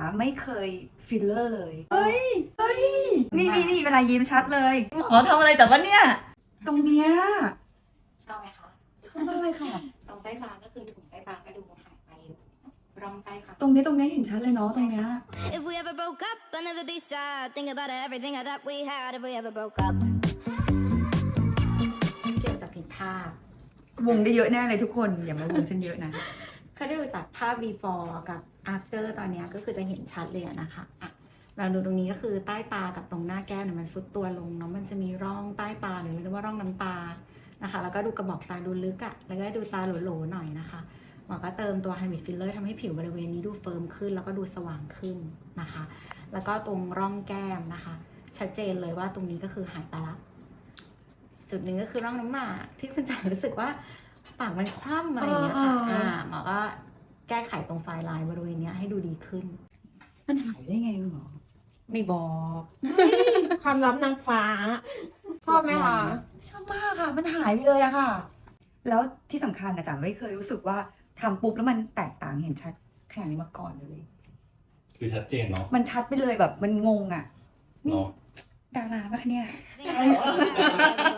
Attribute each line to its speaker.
Speaker 1: ไม่เคยฟิลเลอร์เลยเฮ้ยนี่เวลายิ้มชัดเลยอ๋อทำอะไรแต่ว่าเนี่ยตรงเนี้ย
Speaker 2: ชอบไหมคะ
Speaker 1: ชอบมากเลยค่ะ
Speaker 2: ตรงใต้ตาก็คือถุงใต้ตากระดูกหายไปร่องใต้ตา
Speaker 1: ตรงนี้เห็นชัดเลยเนาะตรงเนี้ย
Speaker 3: If we ever broke up, I'd never be sad. Think about everything I thought we had if we ever broke up.
Speaker 2: เกี่ยวจากผิดภาพ
Speaker 1: วงได้เยอะแน่เลยทุกคนอย่ามาวงฉันเยอะนะ
Speaker 2: ถ้าได้ดูจากภาพ before กับ after ตอนนี้ก็คือจะเห็นชัดเลยนะคะอ่ะเราดูตรงนี้ก็คือใต้ตากับตรงหน้าแก้มเนี่ยมันซุดตัวลงเนาะมันจะมีร่องใต้ตาหรือเรียกว่าร่องน้ำตานะคะแล้วก็ดูกระบอกตาดูลึกอะแล้วก็ดูตาโหลๆหน่อยนะคะหมอก็เติมตัว Hybrid Filler ทำให้ผิวบริเวณนี้ดูเฟิร์มขึ้นแล้วก็ดูสว่างขึ้นนะคะแล้วก็ตรงร่องแก้มนะคะชัดเจนเลยว่าตรงนี้ก็คือหายไปละจุดหนึ่งก็คือร่องน้ำหมากที่คุณจ๋ารู้สึกว่าปากมันคว่ำอะไรอย่างเงี้ยค่ะหมอก็แก้ไขตรงไฟลายบริเวณนี้ให้ดูดีขึ้น
Speaker 1: มันหายได้ไงหรอ
Speaker 4: ไม่บอก ความลับนางฟ้า ชอบไหมคะ
Speaker 1: ชอบมากค่ะ มันหายไปเลยอะค่ะ แล้วที่สำคัญนะจ๊ะไม่เคยรู้สึกว่าทำปุ๊บแล้วมันแตกต่างเห็นชัดขนาดนี้มาก่อนเลย
Speaker 5: คือชัดเจนเนาะ
Speaker 1: มันชัดไปเลยแบบมันงงอะนี่
Speaker 5: เนาะ
Speaker 1: ดาราปะเนี่ย
Speaker 3: Think about everything I thought we had if we